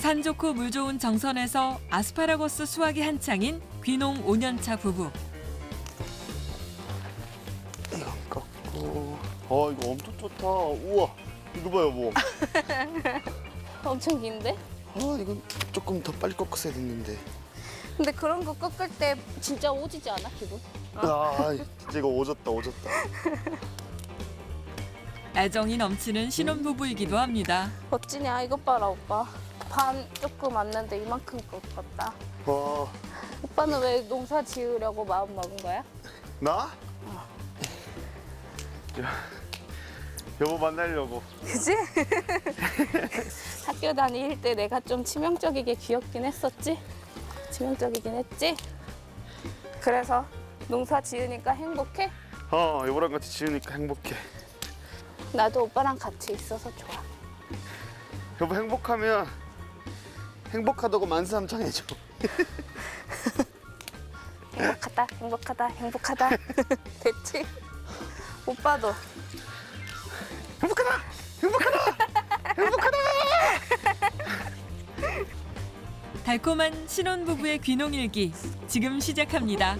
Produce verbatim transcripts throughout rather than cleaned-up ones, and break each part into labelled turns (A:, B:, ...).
A: 산 좋고 물 좋은 정선에서 아스파라거스 수확이 한창인 귀농 오 년 차 부부.
B: 이건 깎고. 아 이거 엄청 좋다. 우와 이거 봐요 뭐.
C: 엄청 긴데?
B: 아 이건 조금 더 빨리 꺾었어야 됐는데.
C: 근데 그런 거 꺾을 때 진짜 오지지 않아, 기분?
B: 아 진짜 이거 오졌다 오졌다.
A: 애정이 넘치는 신혼부부이기도 합니다.
C: 멋지냐? 이것 봐라, 오빠. 반 조금 왔는데 이만큼 꺾었다.
B: 와
C: 오빠는 왜 농사 지으려고 마음 먹은 거야?
B: 나? 야, 여보 만나려고.
C: 그지? 학교 다닐 때 내가 좀 치명적이게 귀엽긴 했었지? 치명적이긴 했지? 그래서 농사 지으니까 행복해?
B: 어 여보랑 같이 지으니까 행복해.
C: 나도 오빠랑 같이 있어서 좋아.
B: 여보 행복하면 행복하다고 만세삼창해줘.
C: 행복하다, 행복하다, 행복하다. 됐지? 오빠도.
B: 행복하다 행복하다 행복하다.
A: 달콤한 신혼부부의 귀농일기 지금 시작합니다.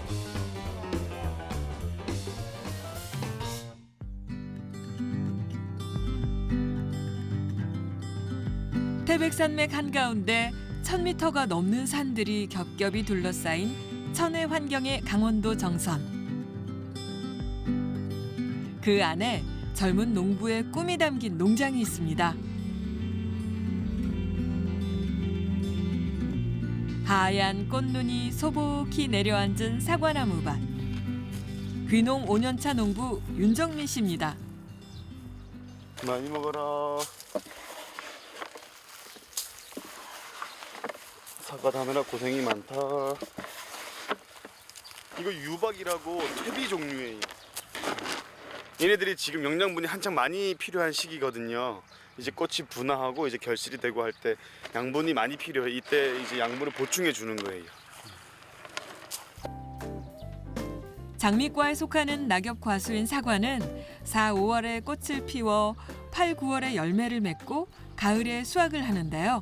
A: 태백산맥 한가운데 천 미터가 넘는 산들이 겹겹이 둘러싸인 천혜 환경의 강원도 정선. 그 안에 젊은 농부의 꿈이 담긴 농장이 있습니다. 하얀 꽃눈이 소복히 내려앉은 사과나무밭. 귀농 오 년 차 농부 윤정민 씨입니다.
B: 많이 먹어라. 사과 담느라 고생이 많다. 이거 유박이라고 퇴비 종류예요. 얘네들이 지금 영양분이 한창 많이 필요한 시기거든요. 이제 꽃이 분화하고 이제 결실이 되고 할 때 양분이 많이 필요해. 이때 이제 양분을 보충해 주는 거예요.
A: 장미과에 속하는 낙엽 과수인 사과는 사, 오월에 꽃을 피워 팔, 구월에 열매를 맺고 가을에 수확을 하는데요.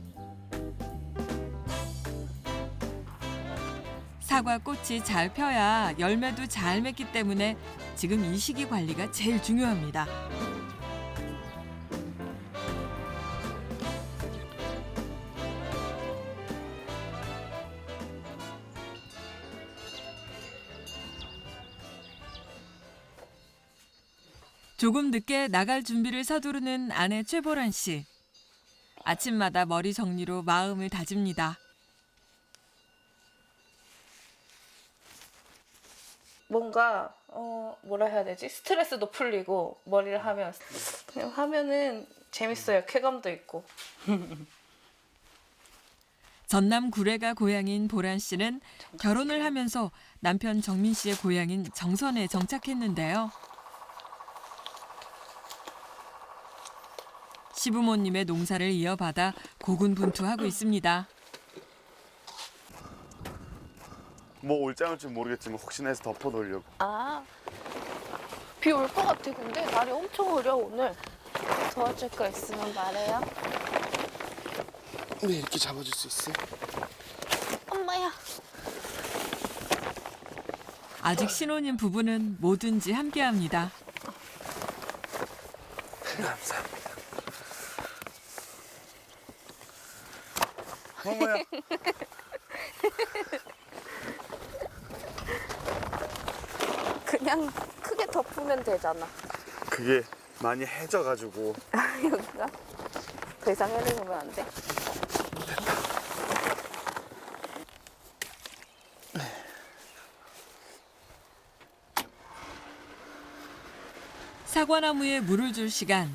A: 사과 꽃이 잘 펴야 열매도 잘 맺기 때문에 지금 이 시기 관리가 제일 중요합니다. 조금 늦게 나갈 준비를 서두르는 아내 최보란 씨. 아침마다 머리 정리로 마음을 다집니다.
C: 뭔가 어 뭐라 해야 되지? 스트레스도 풀리고 머리를 하면 그냥 하면은 재밌어요. 쾌감도 있고.
A: 전남 구례가 고향인 보란 씨는 결혼을 하면서 남편 정민 씨의 고향인 정선에 정착했는데요. 시부모님의 농사를 이어받아 고군분투하고 있습니다.
B: 뭐 올지 안 올지 모르겠지만 혹시나 해서 덮어 놓으려고.
C: 아, 비 올 것 같아. 근데 날이 엄청 흐려 오늘. 도와줄 거 있으면 말해요.
B: 네 이렇게 잡아줄 수 있어요?
C: 엄마야.
A: 아직 신혼인 부부는 뭐든지 함께합니다.
B: 감사합니다. 어머야.
C: 그냥 크게 덮으면 되잖아.
B: 그게 많이 해져가지고.
C: 여기가 더 이상 해내면 안 돼.
A: 사과나무에 물을 줄 시간.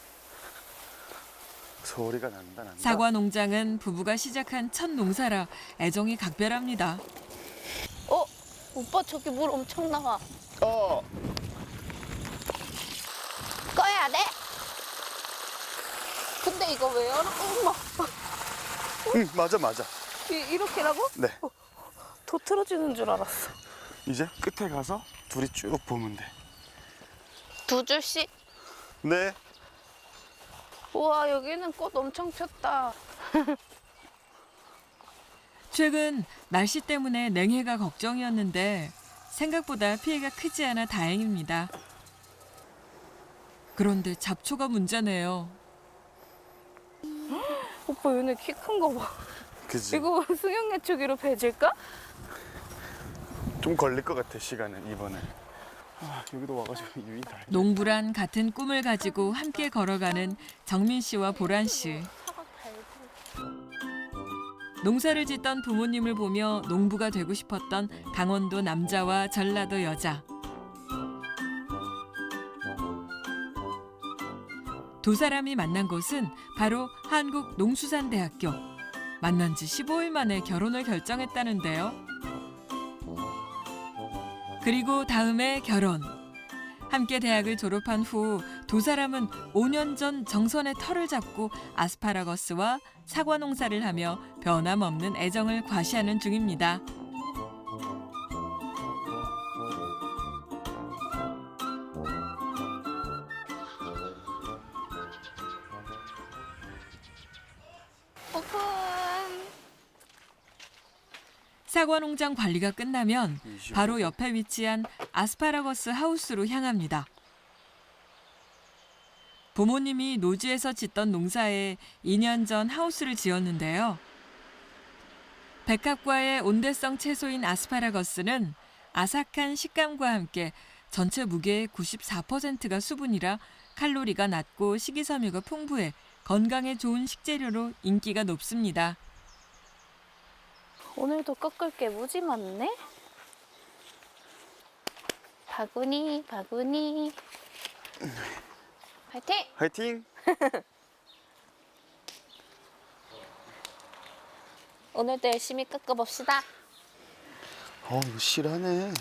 B: 소리가 난다 난다.
A: 사과 농장은 부부가 시작한 첫 농사라 애정이 각별합니다.
C: 어? 오빠 저기 물 엄청 나와.
B: 어.
C: 꺼야 돼? 근데 이거 왜 열어? 엄마.
B: 응 맞아 맞아.
C: 이, 이렇게라고?
B: 네.
C: 더 틀어지는 줄 알았어.
B: 이제 끝에 가서 둘이 쭉 보면 돼.
C: 두 줄씩?
B: 네.
C: 우와, 여기는 꽃 엄청 폈다.
A: 최근 날씨 때문에 냉해가 걱정이었는데 생각보다 피해가 크지 않아 다행입니다. 그런데 잡초가 문제네요.
C: 오빠 얘네 키 큰 거 봐.
B: 그지?
C: 이거 승용예초기로 배질까?
B: 좀 걸릴 것 같아 시간은 이번에. 아, 여기도 와가지고 유인 다.
A: 농부란 같은 꿈을 가지고 함께 걸어가는 정민 씨와 보란 씨. 농사를 짓던 부모님을 보며 농부가 되고 싶었던 강원도 남자와 전라도 여자. 두 사람이 만난 곳은 바로 한국농수산대학교. 만난 지 십오 일 만에 결혼을 결정했다는데요. 그리고 다음에 결혼. 함께 대학을 졸업한 후 두 사람은 오 년 전 정선의 터를 잡고 아스파라거스와 사과 농사를 하며 변함없는 애정을 과시하는 중입니다.
C: 오픈.
A: 사과 농장 관리가 끝나면 바로 옆에 위치한 아스파라거스 하우스로 향합니다. 부모님이 노지에서 짓던 농사에 이 년 전 하우스를 지었는데요. 백합과의 온대성 채소인 아스파라거스는 아삭한 식감과 함께 전체 무게의 구십사 퍼센트가 수분이라 칼로리가 낮고 식이섬유가 풍부해 건강에 좋은 식재료로 인기가 높습니다.
C: 오늘도 꺾을 게 무지 많네. 바구니, 바구니. 파이팅!
B: 화이팅!
C: 오늘도 열심히 꺾어봅시다.
B: 어 이거 실하네.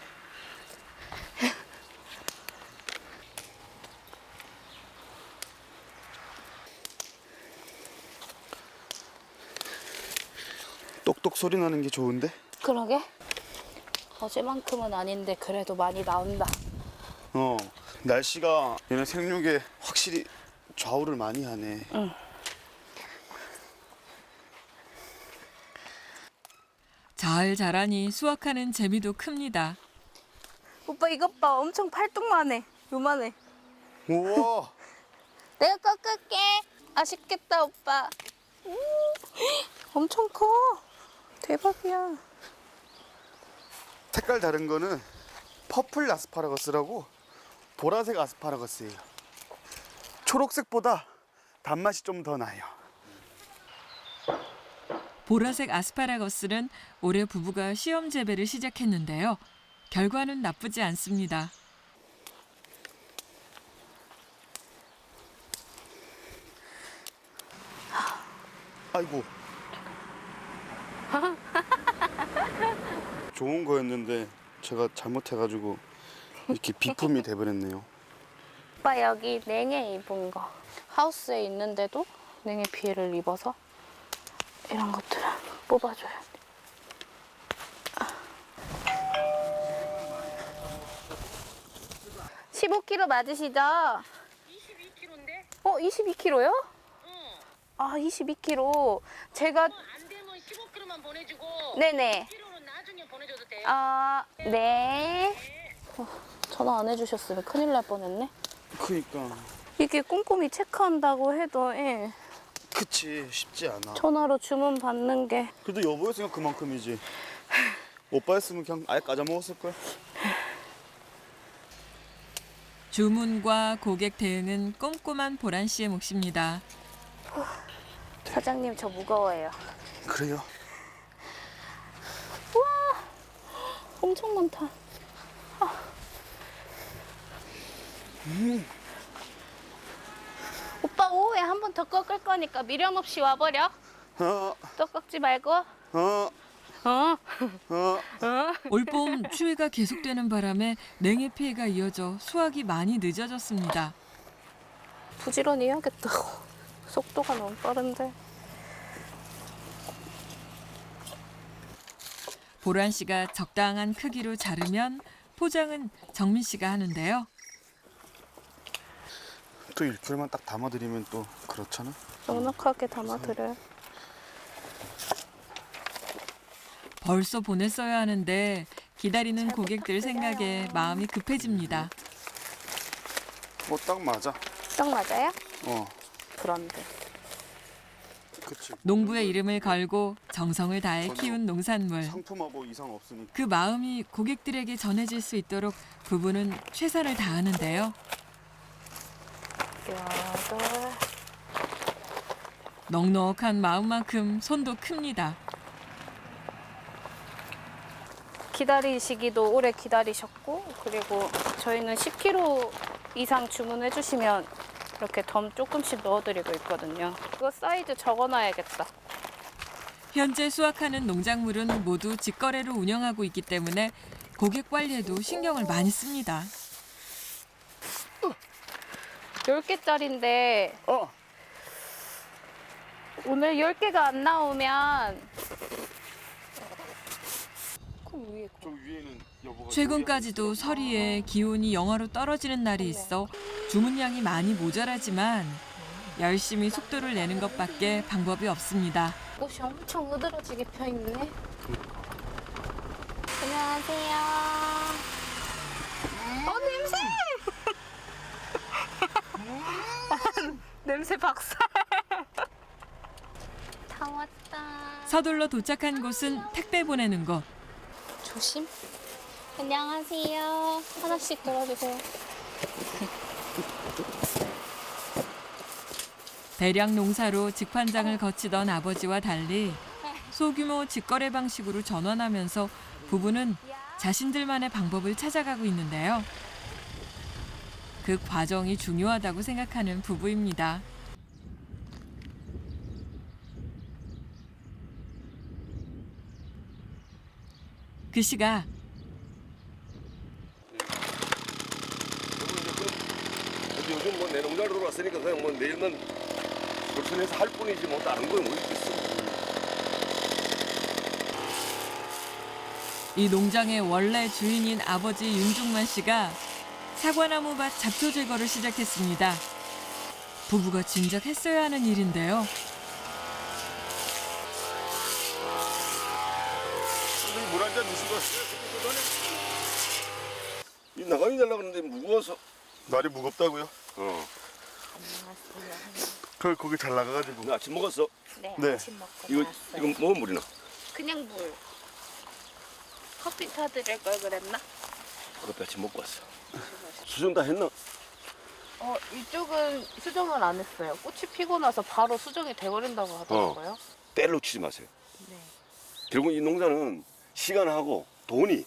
B: 똑똑 소리 나는 게 좋은데?
C: 그러게. 어제만큼은 아닌데 그래도 많이 나온다.
B: 어 날씨가 얘네 생육에 확실히 좌우를 많이 하네.
C: 응.
A: 잘 자라니 수확하는 재미도 큽니다.
C: 오빠 이것 봐. 엄청 팔뚝만해. 요만해.
B: 우와.
C: 내가 꺾을게. 아쉽겠다 오빠. 음, 엄청 커. 대박이야.
B: 색깔 다른 거는 퍼플 아스파라거스라고 보라색 아스파라거스예요. 초록색보다 단맛이 좀 더 나요.
A: 보라색 아스파라거스는 올해 부부가 시험 재배를 시작했는데요. 결과는 나쁘지 않습니다.
B: 아이고. 좋은 거였는데 제가 잘못해가지고 이렇게 비품이 돼버렸네요.
C: 오빠 여기 냉해 입은 거. 하우스에 있는데도 냉해 피해를 입어서 이런 것들을 뽑아줘야 돼. 십오 킬로그램 맞으시죠?
D: 이십이 킬로그램인데?
C: 어, 이십이 킬로그램요?
D: 응.
C: 아, 이십이 킬로그램. 제가
D: 뭐 안 되면 십오 킬로그램만 보내주고
C: 네네.
D: 킬로는 나중에 보내줘도 돼요.
C: 아, 네. 어, 전화 안 해주셨으면 큰일 날 뻔했네.
B: 그니까.
C: 이게 꼼꼼히 체크한다고 해도 예.
B: 그치 쉽지 않아.
C: 전화로 주문 받는 게
B: 그래도 여보였으니까 그만큼이지. 오빠였으면 그냥 아예 까자 먹었을 거야.
A: 주문과 고객 대응은 꼼꼼한 보란 씨의 몫입니다.
C: 사장님 저 무거워요.
B: 그래요?
C: 엄청 많다. 아.
B: 음.
C: 오빠 오후에 한 번 더 꺾을 거니까 미련 없이 와버려.
B: 어,
C: 또 꺾지 말고.
B: 어,
C: 어.
B: 어.
A: 올봄 추위가 계속되는 바람에 냉해 피해가 이어져 수확이 많이 늦어졌습니다.
C: 부지런히 해야겠다. 속도가 너무 빠른데.
A: 보란 씨가 적당한 크기로 자르면 포장은 정민 씨가 하는데요.
B: 또 일 킬로그램만 딱 담아드리면 또 그렇잖아.
C: 넉넉하게 담아드려요.
A: 벌써 보냈어야 하는데 기다리는
C: 잘
A: 고객들 생각에
C: 부탁드려요.
A: 마음이 급해집니다.
B: 뭐 딱 맞아.
C: 딱 맞아요?
B: 어,
C: 그런데.
B: 그치.
A: 농부의 이름을 걸고 정성을 다해 키운 농산물.
B: 상품하고 이상 없으니까.
A: 그 마음이 고객들에게 전해질 수 있도록 부부는 최선을 다하는데요.
C: 여덟.
A: 넉넉한 마음만큼 손도 큽니다.
C: 기다리시기도 오래 기다리셨고, 그리고 저희는 십 킬로그램 이상 주문해 주시면 이렇게 덤 조금씩 넣어드리고 있거든요. 이거 사이즈 적어놔야겠다.
A: 현재 수확하는 농작물은 모두 직거래로 운영하고 있기 때문에 고객 관리에도 신경을 많이 씁니다.
C: 열 개짜리인데
B: 어,
C: 오늘 열 개가 안 나오면 그 위에 거.
B: 저 위에는 여보가.
A: 최근까지도 서리에 기온이 영하로 떨어지는 날이 있어 주문량이 많이 모자라지만 열심히 속도를 내는 것밖에 방법이 없습니다.
C: 꽃이 엄청 으드러지게 펴 있네. 안녕하세요. 어 냄새! 냄새 박살. 다 왔다.
A: 서둘러 도착한 곳은 택배 보내는 곳.
C: 조심. 안녕하세요. 하나씩 들어주세요.
A: 대량 농사로 직판장을 거치던 아버지와 달리 소규모 직거래 방식으로 전환하면서 부부는 자신들만의 방법을 찾아가고 있는데요. 그 과정이 중요하다고 생각하는 부부입니다. 그 시각
E: 근데 요즘 뭐 내 농장으로 들어왔으니까 그냥 뭐 내일만 불편해서 할 뿐이지 뭐 다른 건 뭐 있겠어.
A: 이 농장의 원래 주인인 아버지 윤중만 씨가 사과나무 밭 잡초 제거를 시작했습니다. 부부가 진작 했어야 하는 일인데요.
B: 선생님 물 한 잔 드시고 왔어요.
E: 이 나가기 날라가는데 무거워서.
B: 날이 무겁다고요?
E: 어.
B: 그 거기 잘 나가가지고.
E: 나 아침 먹었어.
C: 네,
B: 네.
C: 아침 먹고
E: 이거
C: 나왔어요.
E: 이거 뭐 물이나?
C: 그냥 물. 커피 타드릴 걸 그랬나?
E: 그것도 아침 먹고 왔어. 수정 다 했나?
F: 어, 이쪽은 수정을 안 했어요. 꽃이 피고 나서 바로 수정이 돼버린다고 하더라고요.
E: 때를 놓치지 마세요.
F: 네.
E: 결국 이 농사는 시간하고 돈이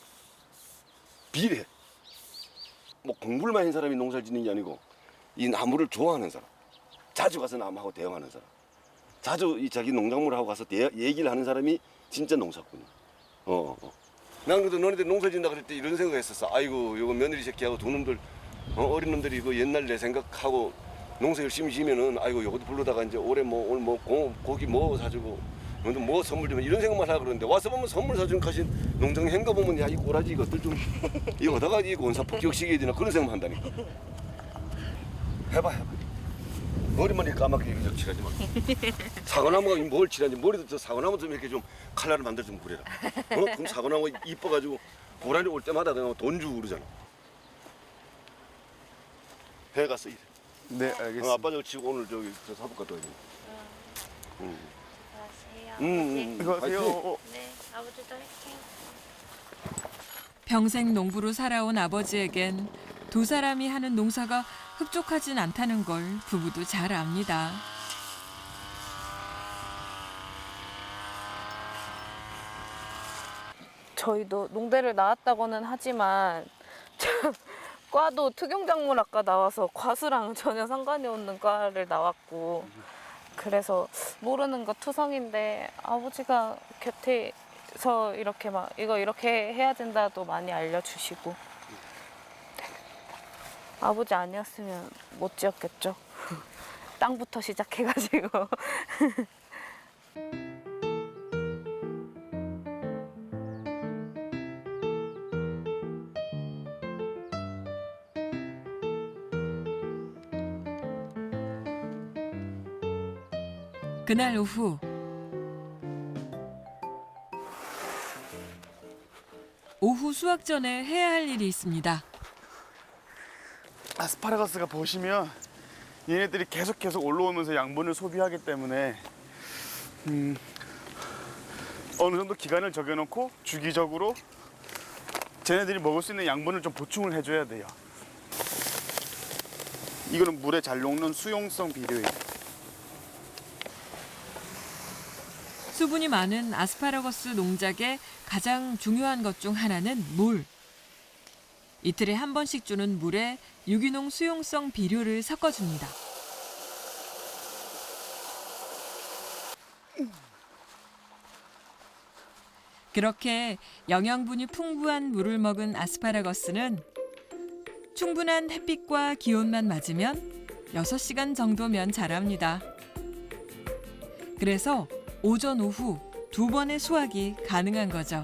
E: 비례해. 뭐 공부를 많이 한 사람이 농사를 짓는 게 아니고 이 나무를 좋아하는 사람, 자주 가서 나무하고 대화하는 사람, 자주 이 자기 농작물하고 가서 대, 얘기를 하는 사람이 진짜 농사꾼이야. 어, 어. 난 그래도 너네들 농사 짓는다 그럴 때 이런 생각했었어. 아이고 요거 며느리 새끼하고 두 놈들 어, 어린 놈들이 그 옛날 내 생각하고 농사 열심히 지면은 아이고 요것도 불러다가 이제 올해 뭐 오늘 뭐 고, 고기 뭐 사주고 오늘 뭐 선물 주면 이런 생각만 하라 그러는데 와서 보면 선물 사주는 가신 농장 행가 보면 야 이 꼬라지 이것들 좀 이거 어디다가 이 원사 폭격시켜야 되나 그런 생각만 한다니까. 해봐 해봐. 머리만 이렇게 까맣게 이렇게 칠하지 마. 사과나무가 뭘 칠하는지 머리도 저 사과나무 좀 이렇게 좀 칼라를 만들어 좀 그래라. 어? 그럼 사과나무 이뻐가지고 고라니 올 때마다 그냥 돈 주고 그러잖아. 해 갔어.
B: 네,
E: 어,
B: 알겠습니다.
E: 아빠 저 치고 오늘 저기 저 사복 갔다 와야 돼. 응.
C: 안녕하세요.
E: 응, 응, 응.
B: 안녕하세요.
E: 화이팅.
B: 어,
C: 네, 아버지도 할게요.
A: 평생 농부로 살아온 아버지에겐 두 사람이 하는 농사가 흡족하진 않다는 걸 부부도 잘 압니다.
F: 저희도 농대를 나왔다고는 하지만 참, 과도 특용작물학과 나와서 과수랑 전혀 상관이 없는 과를 나왔고 그래서 모르는 거 투성인데 아버지가 곁에서 이렇게 막 이거 이렇게 해야 된다도 많이 알려주시고 네. 아버지 아니었으면 못 지었겠죠. 땅부터 시작해가지고
A: 그날 오후 오후 수확 전에 해야 할 일이 있습니다.
B: 아스파라거스가 보시면 얘네들이 계속 계속 올라오면서 양분을 소비하기 때문에 음, 어느 정도 기간을 정해놓고 주기적으로 쟤네들이 먹을 수 있는 양분을 좀 보충을 해줘야 돼요. 이거는 물에 잘 녹는 수용성 비료예요.
A: 수분이 많은 아스파라거스 농작의 가장 중요한 것 중 하나는 물. 이틀에 한 번씩 주는 물에 유기농 수용성 비료를 섞어줍니다. 그렇게 영양분이 풍부한 물을 먹은 아스파라거스는 충분한 햇빛과 기온만 맞으면 여섯 시간 정도면 자랍니다. 그래서 오전, 오후 두 번의 수확이 가능한 거죠.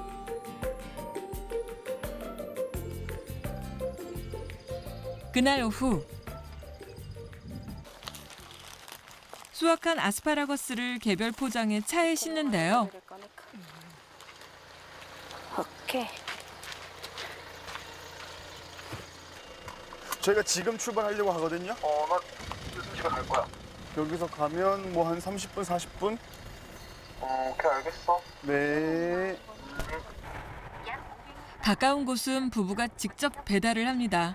A: 그날 오후 수확한 아스파라거스를 개별 포장해 차에 싣는데요.
C: 오케이.
B: 저희가 지금 출발하려고 하거든요.
G: 어, 나 요즘 집에 갈 거야.
B: 여기서 가면 뭐 한 삼십 분, 사십 분?
G: 어, 오케이, 알겠어.
B: 네.
A: 가까운 곳은 부부가 직접 배달을 합니다.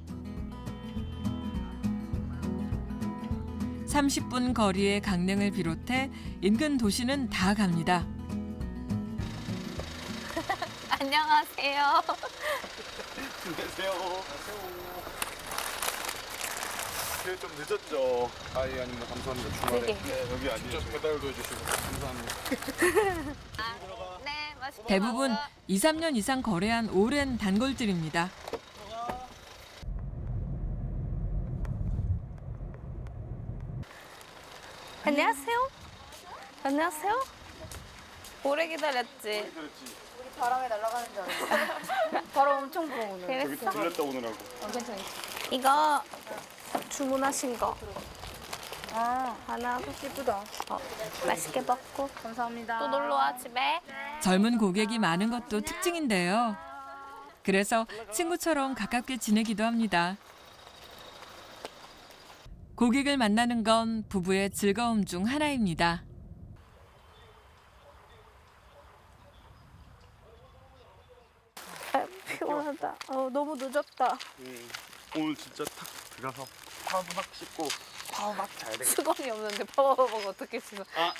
A: 삼십 분 거리의 강릉을 비롯해 인근 도시는 다 갑니다.
C: 안녕하세요.
B: 안녕하세요. 그래 좀 늦었죠. 아예 아닙니다. 감사합니다. 주말에
C: 되게.
B: 네, 여기 아니에요. 배달도 해주시고 감사합니다.
C: 네, 맛있게
A: 대부분
C: 먹어.
A: 이, 삼 년 이상 거래한 오랜 단골들입니다.
C: 안녕하세요. 안녕하세요. 오래 기다렸지.
B: 그렇지.
F: 바람에 날아가는 줄 알았어. 바람 엄청 불어 오늘.
B: 여기
C: 그랬어?
B: 들렸다 오느라고.
F: 괜찮아.
C: 이거 주문하신 거
F: 아,
C: 하나
F: 예쁘다.
C: 어, 맛있게 먹고
F: 감사합니다.
C: 또 놀러 와 집에.
A: 젊은 고객이 많은 것도 특징인데요. 그래서 친구처럼 가깝게 지내기도 합니다. 고객을 만나는 건 부부의 즐거움 중 하나입니다.
C: 아, 피곤하다. 어, 너무 늦었다.
B: 음, 오늘 진짜 탁 들어가서 파박 씻고 파박 자야 되겠다.
C: 수건이 없는데 파워버거 어떻게 쓰나?
B: 아,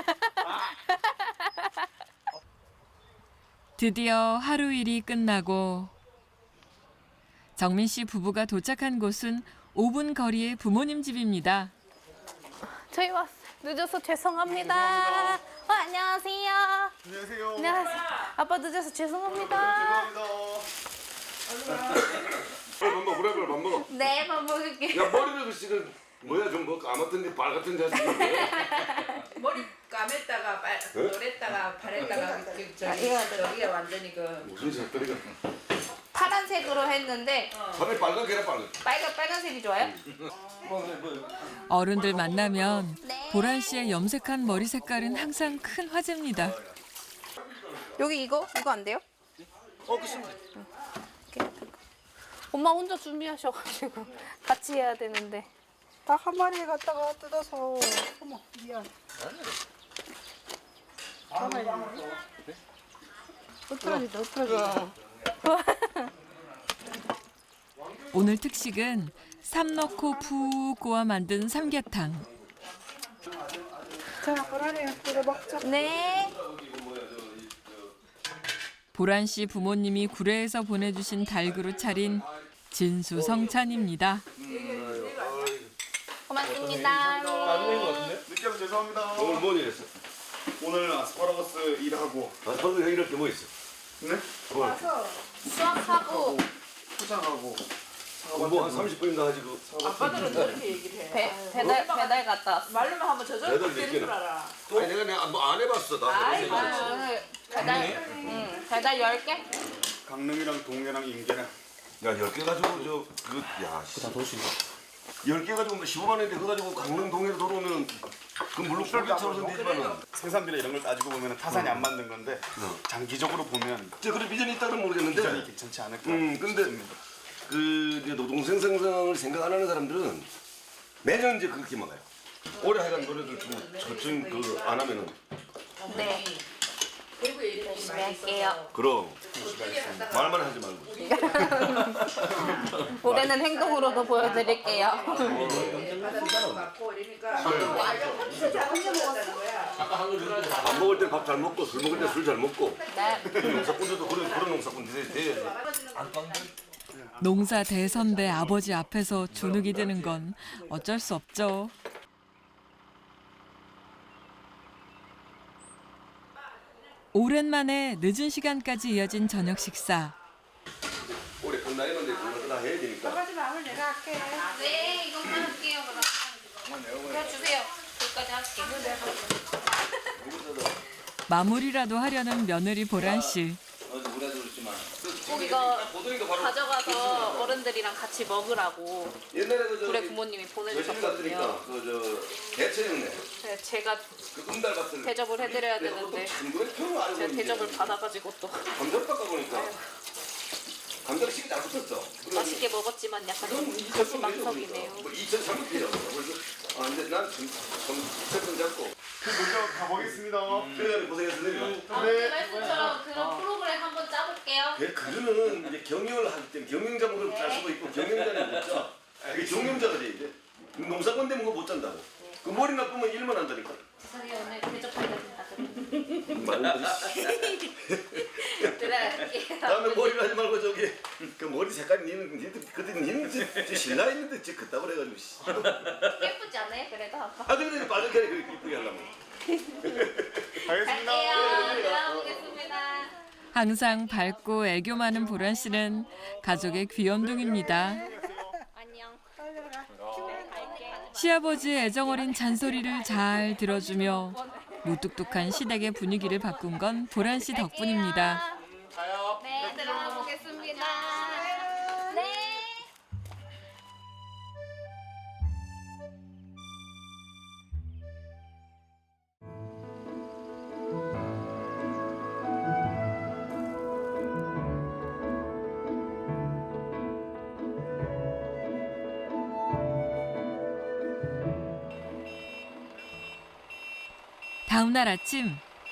A: 드디어 하루 일이 끝나고 정민 씨 부부가 도착한 곳은 오 분 거리의 부모님 집입니다.
C: 저희 왔 늦어서 죄송합니다. 어, 안녕하세요.
B: 안녕하세요.
C: 안녕하세요. 아빠 늦어서 죄송합니다.
B: 죄송합니다.
E: 밥 먹어, 그래, 그래, 밥 먹어.
C: 네, 밥 먹을게.
E: 야, 머리를 글씨는 뭐야, 좀 뭐 까맣던데 빨 같은 자식인데.
H: 머리 감했다가 빨 노랬다가 바랬다가 그 저기 저기에 완전히 그
E: 무슨 색깔이가?
C: 파란색으로 했는데
E: 밤에 빨갛게라 빨갛게.
C: 빨간 빨간색이 좋아요?
A: 어른들 만나면 보란 씨의 염색한 머리 색깔은 항상 큰 화제입니다.
C: 여기 이거 이거 안 돼요?
B: 어, 그렇습니다.
C: 엄마 혼자 준비하셔가지고 같이 해야 되는데.
F: 딱 한 마리 갖다가 뜯어서. 어머, 미안. 흐트러진다, 흐트러진다.
A: 오늘 특식은 삼 넣고 푹 고아 만든 삼계탕.
F: 자, 그러네요. 이거 먹자.
C: 네.
A: 보란 씨 부모님이 구례에서 보내주신 닭으로 차린 진수성찬입니다.
C: 고맙습니다.
B: 늦게 와서 죄송합니다.
E: 오늘 뭔 일했어?
B: 오늘 아스파라거스 일하고
E: 아, 방금 형 이럴 게 뭐 있어?
B: 네?
E: 뭐?
C: 수학하고
B: 포장하고
E: 뭐한 삼십 분인가 가지고
H: 아빠들은 저렇게 얘기를 해.
C: 배, 배달 배달 갔다 왔어.
H: 말로만 하면 저 저렇게
E: 배달
H: 되는
E: 몇
H: 줄 알아.
E: 아니 내가 내가 뭐안 해봤어 나.
H: 아이고.
C: 배달 응 배달 열 개?
B: 강릉이랑 동해랑 인계랑
E: 야열 개 가지고 저그야 다 도시. 열 개 가지고 십오만 원인데 그거 가지고 강릉 동해로 돌아오면 그 물론 꼴비처럼 되지만은
B: 생산비나 이런 걸 따지고 보면 타산이 안 맞는 건데 장기적으로 보면
E: 저 그런 비전이 있다는 모르겠는데.
B: 비전이 괜찮지 않을까
E: 음 근데
B: 싶습니다.
E: 그 이제 노동생 생산을 생각 안 하는 사람들은 매년 이제 그렇게 막아요. 올해 하여간 노래들 좀 저쯤 그안 하면은
C: 네.
H: 그리고 이렇게
C: 열심히 할게요.
E: 그럼 말만 하지 말고.
C: 올해는 행동으로도 보여드릴게요.
H: 받아들이고 받고 이러니까
E: 밥 먹을 때 밥 잘 먹고 술 먹을 때 술 잘 먹고.
C: 네.
E: 농사꾼들도 그런 그런 농사꾼 돼야지.
A: 농사 대선배 아버지 앞에서 주눅이 드는 건 어쩔 수 없죠. 오랜만에 늦은 시간까지 이어진 저녁 식사.
E: 올해 끝나겠는데 그거 다 해야 되니까.
C: 네, 이것만 할게요, 그럼. 그냥 주세요. 여기까지 할게요.
A: 마무리라도 하려는 며느리 보란 씨.
C: 꼭 이거 가져가서 어른들이랑 같이 먹으라고
E: 옛날에 그
C: 우리
E: 저
C: 부모님이
E: 여신
C: 보내주셨거든요.
E: 같으니까 그저 대체형네.
C: 네, 제가
E: 그 은달밭을
C: 대접을 해드려야 되는데
E: 중도에 평을 알고
C: 제가 대접을 받아가지고 또
E: 감자를 깎아 보니까 감자를 시기 잘 붙었어.
C: 맛있게 먹었지만 약간 좀 거시망석이네요.
E: 이천삼백 피라고. 그래서 아 근데 난좀좀 잡고.
B: 그 먼저 가보겠습니다.
E: 그래 고생했습니다.
C: 네. 말씀처럼 그런 프로그램 한번 짜볼게요.
E: 그 그거는 이제 경영을 할 때 경영자목으로 짤 수도 있고 경영자는 못 짜. 그게 경영자가 돼 이제. 농사꾼 되면 그거 못 잔다고. 그 머리 나쁘면 일만 한다니까.
C: 세상에 오늘 대접해야 된다.
E: 말은
C: 들어갈게요.
E: 다음에 머리를 하지 말고 저기 그 머리 색깔이 니는 니는 그때 니는 저, 저 신라 했는데 저 그따구로 해가지고 씨.
C: 예쁘지 않아요? 그래도 아빠.
E: 아 근데 빨갛게 그렇게 이쁘게 하려면
B: 알겠습니다.
C: 갈게요. 들어가보겠습니다.
A: 항상 밝고 애교 많은 보란 씨는 가족의 귀염둥입니다.
C: 안녕.
A: 시아버지의 애정어린 잔소리를 잘 들어주며 무뚝뚝한 시댁의 분위기를 바꾼 건 보란 씨 덕분입니다.
C: 네, 들어가 보겠습니다. 네.
A: 다음 날 아침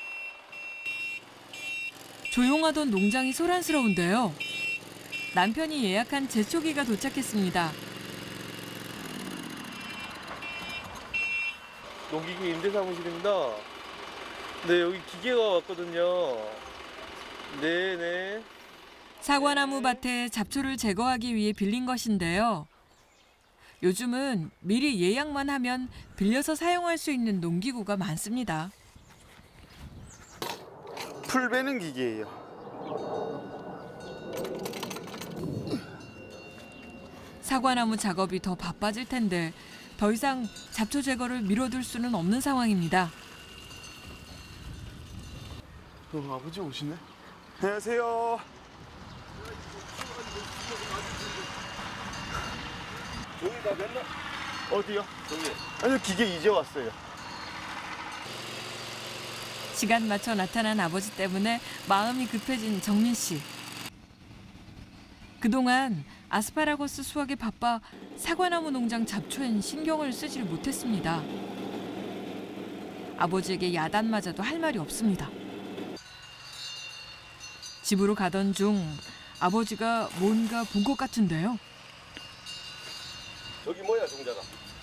A: 조용하던 농장이 소란스러운데요. 남편이 예약한 제초기가 도착했습니다.
I: 농기구 임대사무실입니다. 네, 여기 기계가 왔거든요. 네네.
A: 사과나무 밭에 잡초를 제거하기 위해 빌린 것인데요. 요즘은 미리 예약만 하면 빌려서 사용할 수 있는 농기구가 많습니다.
B: 풀 베는 기계예요.
A: 사과나무 작업이 더 바빠질 텐데 더 이상 잡초 제거를 미뤄둘 수는 없는 상황입니다.
B: 어, 아버지 오시네. 안녕하세요.
E: 저기 다 됐나?
B: 어디요?
E: 저기
B: 아니요, 기계 이제 왔어요.
A: 시간 맞춰 나타난 아버지 때문에 마음이 급해진 정민 씨. 그동안 아스파라거스 수확에 바빠 사과나무 농장 잡초엔 신경을 쓰질 못했습니다. 아버지에게 야단맞아도 할 말이 없습니다. 집으로 가던 중 아버지가 뭔가 본 것 같은데요.
E: 저기 뭐야 종자가?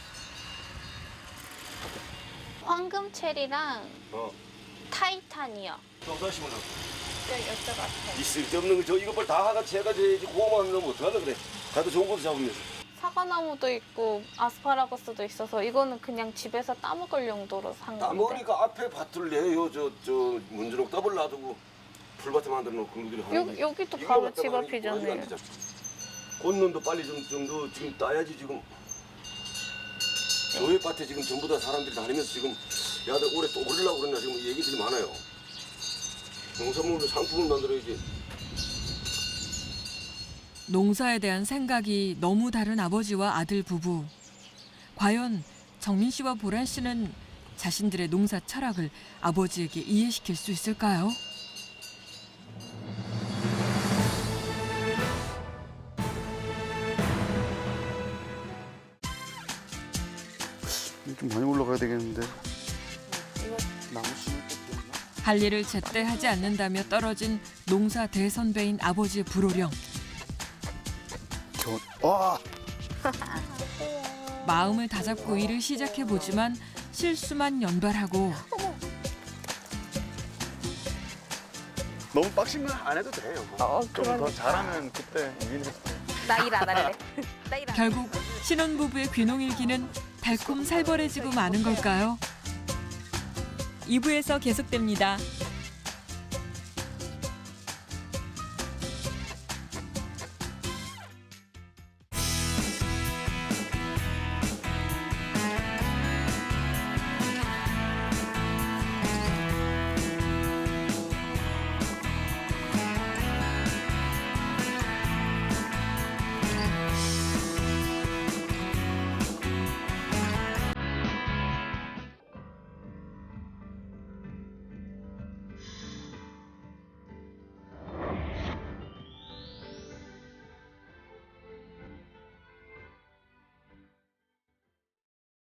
C: 황금 체리랑
E: 어.
C: 타이탄이요.
E: 농사 심으려고.
C: 저 여쭤봤어요.
E: 이 쓸데없는 거 저 이거 빨리 다 하가 채가 줘야지 고구마 하면 어떡하려 그래. 나도 좋은 것도 잡으면서.
C: 사과나무도 있고 아스파라거스도 있어서 이거는 그냥 집에서 따먹을 용도로 산 건데.
E: 따먹으니까 앞에 밭을 내요. 저 저 문주옥 더블 놔두고 풀밭에 만들어 놓고 그런 것들이 하는
C: 여기,
E: 거지.
C: 여기도
E: 이거
C: 바로
E: 갖다가
C: 집
E: 하는 게
C: 앞이잖아요.
E: 꼬라지가 안 되잖아. 꽃눈도 빨리 좀 정도 지금 따야지 지금. 저희 밭에 지금 전부 다 사람들이 다니면서 지금 야들 올해 또 오르려고 그러나 지금 얘기들이 많아요. 농산물로 상품을 만들어야지.
A: 농사에 대한 생각이 너무 다른 아버지와 아들 부부. 과연 정민 씨와 보란 씨는 자신들의 농사 철학을 아버지에게 이해시킬 수 있을까요?
B: 좀 많이 올라가야 되겠는데. 나무 심을 때 되나?
A: 할 일을 제때 하지 않는다며 떨어진 농사 대선배인 아버지의 불호령.
B: 겨... 와!
A: 마음을 다잡고 일을 시작해보지만 실수만 연발하고
B: 너무 빡신 건 안 해도 돼요.
C: 어,
B: 좀 더 잘하면 그때 유인해도 돼.
C: 나 일 안 할래. 나 일 안 할래.
A: 결국 신혼부부의 귀농일기는 달콤 살벌해지고 마는 걸까요? 이 부에서 계속됩니다.